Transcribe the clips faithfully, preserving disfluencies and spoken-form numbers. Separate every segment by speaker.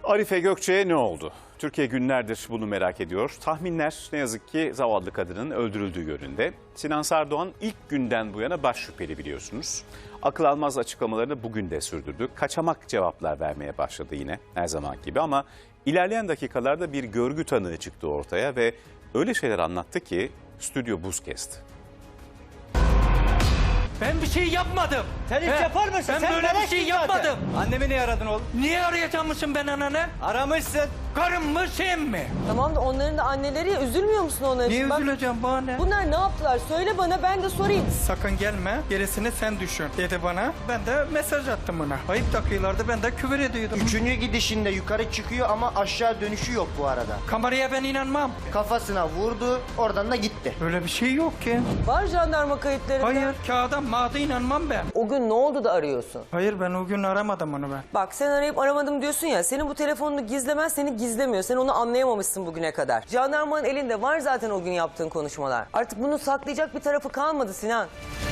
Speaker 1: Arife Gökçe'ye ne oldu? Türkiye günlerdir bunu merak ediyor. Tahminler ne yazık ki zavallı kadının öldürüldüğü yönünde. Sinan Sardoğan ilk günden bu yana baş şüpheli biliyorsunuz. Akıl almaz açıklamalarını bugün de sürdürdü. Kaçamak cevaplar vermeye başladı yine her zaman gibi ama ilerleyen dakikalarda bir görgü tanığı çıktı ortaya ve öyle şeyler anlattı ki stüdyo buz kesti.
Speaker 2: Ben bir şey yapmadım.
Speaker 3: Sen hiç
Speaker 2: He,
Speaker 3: yapar mısın?
Speaker 2: Ben
Speaker 3: Sen
Speaker 2: böyle bir
Speaker 3: meleksin
Speaker 2: şey
Speaker 3: zaten.
Speaker 2: yapmadım.
Speaker 3: Annemi niye aradın oğlum?
Speaker 2: Niye arayacakmışım ben ananı?
Speaker 3: Aramışsın.
Speaker 2: Karım mı sen mi?
Speaker 4: Tamam da onların da anneleri ya, üzülmüyor musun onlar
Speaker 2: Niye
Speaker 4: için? Bak,
Speaker 2: üzüleceğim bana ne?
Speaker 4: bunlar ne yaptılar? Söyle bana, ben de sorayım.
Speaker 2: Sakın gelme, gerisini sen düşün dedi bana. Ben de mesaj attım ona. Ayıp dakikalarda ben de küfür ediyordum.
Speaker 5: Üçüncü gidişinde yukarı çıkıyor ama aşağı dönüşü yok bu arada.
Speaker 2: Kameraya ben inanmam.
Speaker 5: Kafasına vurdu, oradan da gitti.
Speaker 2: Öyle bir şey yok ki.
Speaker 4: Var jandarma kayıtlarında.
Speaker 2: Hayır, kağıda mağda inanmam ben.
Speaker 4: O gün ne oldu da arıyorsun?
Speaker 2: Hayır, ben o gün aramadım onu ben.
Speaker 4: Bak sen arayıp aramadım diyorsun ya, senin bu telefonunu gizlemez seni gizlemiyor. Sen onu anlayamamışsın bugüne kadar. Jandarmanın elinde var zaten o gün yaptığın konuşmalar. Artık bunu saklayacak bir tarafı kalmadı Sinan.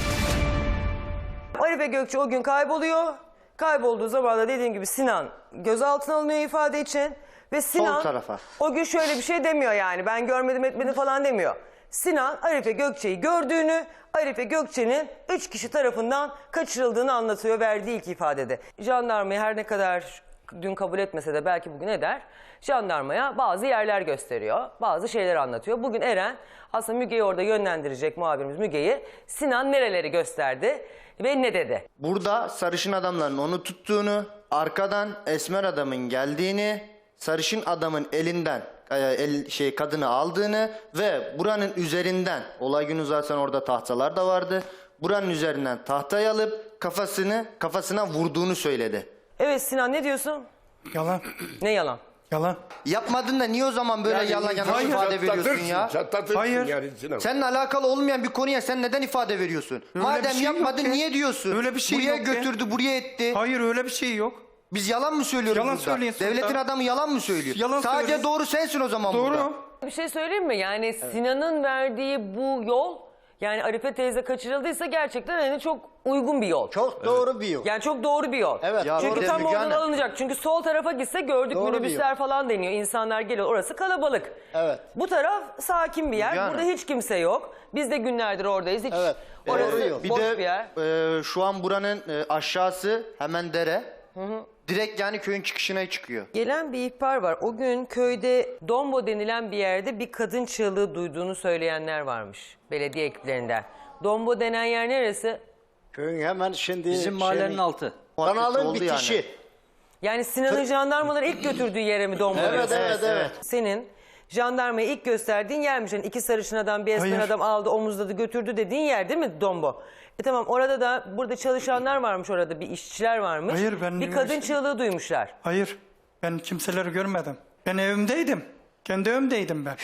Speaker 4: Arife Gökçe o gün kayboluyor. Kaybolduğu zaman da dediğim gibi Sinan gözaltına alınıyor ifade için. Ve Sinan
Speaker 5: Sol tarafa.
Speaker 4: o gün şöyle bir şey demiyor yani, ben görmedim etmedim falan demiyor. Sinan Arife Gökçe'yi gördüğünü, Arife Gökçe'nin üç kişi tarafından kaçırıldığını anlatıyor verdiği ilk ifadede. Jandarmayı her ne kadar dün kabul etmese de belki bugün eder. Jandarmaya bazı yerler gösteriyor, bazı şeyler anlatıyor. Bugün Eren aslında Müge'yi orada yönlendirecek, muhabirimiz Müge'yi. Sinan nereleri gösterdi ve ne dedi?
Speaker 5: Burada sarışın adamların onu tuttuğunu, arkadan esmer adamın geldiğini, sarışın adamın elinden e, el, şey kadını aldığını ve buranın üzerinden, olay günü zaten orada tahtalar da vardı. Buranın üzerinden tahtayı alıp kafasını kafasına vurduğunu söyledi.
Speaker 4: Evet Sinan, ne diyorsun?
Speaker 2: Yalan,
Speaker 4: Ne yalan?
Speaker 2: yalan.
Speaker 5: Yapmadın da niye o zaman böyle
Speaker 6: Yani
Speaker 5: yalan yanlış
Speaker 2: hayır,
Speaker 5: ifade veriyorsun
Speaker 6: Çatlatırsın,
Speaker 5: ya?
Speaker 6: çatlatırsın
Speaker 2: Hayır.
Speaker 6: yani Sinan.
Speaker 5: Seninle alakalı olmayan bir konuya sen neden ifade veriyorsun?
Speaker 2: bir
Speaker 5: Madem
Speaker 2: şey yok
Speaker 5: yapmadın
Speaker 2: ki.
Speaker 5: niye diyorsun?
Speaker 2: Öyle bir şey
Speaker 5: buraya
Speaker 2: yok ki.
Speaker 5: götürdü, buraya etti.
Speaker 2: Hayır, öyle bir şey yok.
Speaker 5: Biz yalan mı söylüyoruz
Speaker 2: Yalan
Speaker 5: burada?
Speaker 2: söyleyin sultan.
Speaker 5: Devletin adamı yalan mı söylüyor?
Speaker 2: Yalan
Speaker 5: Sadece
Speaker 2: söylüyor.
Speaker 5: doğru sensin o zaman burada.
Speaker 2: Doğru.
Speaker 4: Bir şey söyleyeyim mi? Yani Sinan'ın verdiği bu yol, yani Arife teyze kaçırıldıysa gerçekten hani çok uygun bir yol.
Speaker 7: Çok doğru bir yol.
Speaker 4: Yani çok doğru bir yol.
Speaker 7: Evet,
Speaker 5: Ya
Speaker 4: Çünkü
Speaker 5: doğru.
Speaker 4: tam
Speaker 5: Müge
Speaker 4: oradan
Speaker 5: Hanım.
Speaker 4: alınacak. Çünkü sol tarafa gitse gördük,
Speaker 7: Doğru bir
Speaker 4: minibüsler
Speaker 7: yol.
Speaker 4: falan deniyor. İnsanlar geliyor. Orası kalabalık.
Speaker 7: Evet.
Speaker 4: Bu taraf sakin bir yer.
Speaker 5: Müge
Speaker 4: Burada
Speaker 5: Hanım.
Speaker 4: hiç kimse yok. Biz de günlerdir oradayız. Hiç
Speaker 7: Evet,
Speaker 4: orası
Speaker 7: doğru yol.
Speaker 5: Bir
Speaker 4: boş
Speaker 5: de
Speaker 4: bir yer.
Speaker 5: e, şu an buranın e, aşağısı hemen dere. Direkt yani köyün çıkışına çıkıyor.
Speaker 4: Gelen bir ihbar var. O gün köyde Dombo denilen bir yerde bir kadın çığlığı duyduğunu söyleyenler varmış. Belediye ekiplerinden. Dombo denen yer neresi?
Speaker 7: Köyün hemen şimdi...
Speaker 3: Bizim mahallenin altı.
Speaker 7: Kanalın
Speaker 5: oldu
Speaker 7: bitişi.
Speaker 5: yani.
Speaker 4: Yani Sinan'ın jandarmaları ilk götürdüğü yere mi Dombo?
Speaker 7: Evet,
Speaker 4: diyorsun?
Speaker 7: evet, evet.
Speaker 4: Senin jandarmaya ilk gösterdiğin yermiş. Yani iki sarışın adam, bir esmer
Speaker 2: Hayır.
Speaker 4: adam aldı, omuzladı, götürdü dediğin yer değil mi Dombo? E tamam, orada da burada çalışanlar varmış, orada bir işçiler varmış.
Speaker 2: Hayır, ben
Speaker 4: bir kadın
Speaker 2: üniversite-
Speaker 4: çığlığı duymuşlar.
Speaker 2: Hayır, ben kimseleri görmedim. Ben evimdeydim. Kendi evimdeydim ben.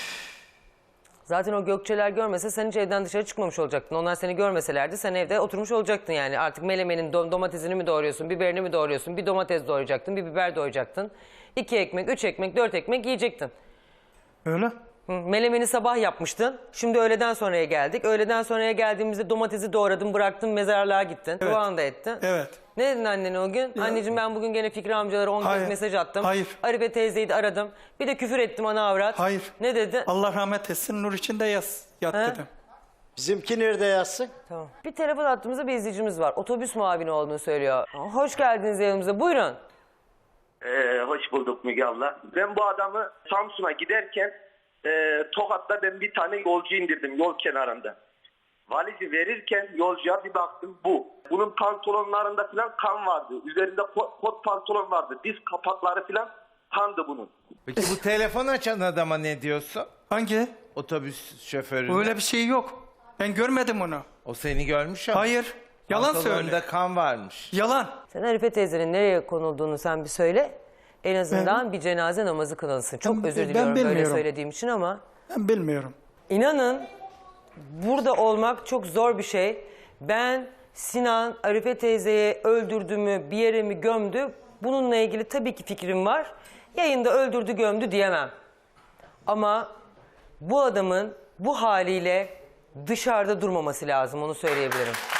Speaker 4: Zaten o Gökçeler görmese sen hiç evden dışarı çıkmamış olacaktın. Onlar seni görmeselerdi sen evde oturmuş olacaktın yani. Artık melemenin dom- domatesini mi doğruyorsun, biberini mi doğruyorsun? Bir domates doğrayacaktın, bir biber doğrayacaktın. İki ekmek, üç ekmek, dört ekmek yiyecektin.
Speaker 2: Öyle.
Speaker 4: Hı, melemeni sabah yapmıştın. Şimdi öğleden sonraya geldik. Öğleden sonraya geldiğimizde domatesi doğradın, bıraktın, mezarlığa gittin. Duanı da ettin.
Speaker 2: Evet.
Speaker 4: Ne dedin annene o gün? Anneciğim ben bugün gene Fikri amcalara on
Speaker 2: Hayır.
Speaker 4: kez mesaj attım.
Speaker 2: Hayır.
Speaker 4: Arife teyzeyi de aradım. Bir de küfür ettim ana avrat.
Speaker 2: Hayır.
Speaker 4: Ne dedi?
Speaker 2: Allah rahmet etsin, nur içinde yaz, yat
Speaker 4: He?
Speaker 2: dedim.
Speaker 7: Bizimki nerede yazsın?
Speaker 4: Tamam. Bir telefon attığımızda bir izleyicimiz var. Otobüs muavini olduğunu söylüyor. Hoş geldiniz yanımıza. Buyurun.
Speaker 8: Ee, hoş bulduk Müge abla. Ben bu adamı Samsun'a giderken e, Tokat'ta ben bir tane yolcu indirdim yol kenarında. Valizi verirken yolcuya bir baktım bu. Bunun pantolonlarında falan kan vardı. Üzerinde kot, kot pantolon vardı. Diz kapakları falan kandı bunun.
Speaker 9: Peki bu telefon açan adama ne diyorsun?
Speaker 2: Hangi?
Speaker 9: Otobüs şoförü.
Speaker 2: Öyle bir şey yok. Ben görmedim onu.
Speaker 9: O seni görmüş ama.
Speaker 2: Hayır. Yalan
Speaker 9: Pantolonunda
Speaker 2: söyle.
Speaker 9: kan varmış.
Speaker 2: Yalan.
Speaker 4: Sen Arife teyzenin nereye konulduğunu sen bir söyle. En azından bir cenaze namazı kılınsın. Çok
Speaker 2: Ben-
Speaker 4: özür
Speaker 2: ben
Speaker 4: diliyorum böyle
Speaker 2: bilmiyorum.
Speaker 4: söylediğim için ama.
Speaker 2: Ben bilmiyorum.
Speaker 4: İnanın burada olmak çok zor bir şey. Ben Sinan Arife teyzeyi öldürdü mü, bir yere mi gömdü? Bununla ilgili tabii ki fikrim var. Yayında öldürdü gömdü diyemem. Ama bu adamın bu haliyle dışarıda durmaması lazım, onu söyleyebilirim.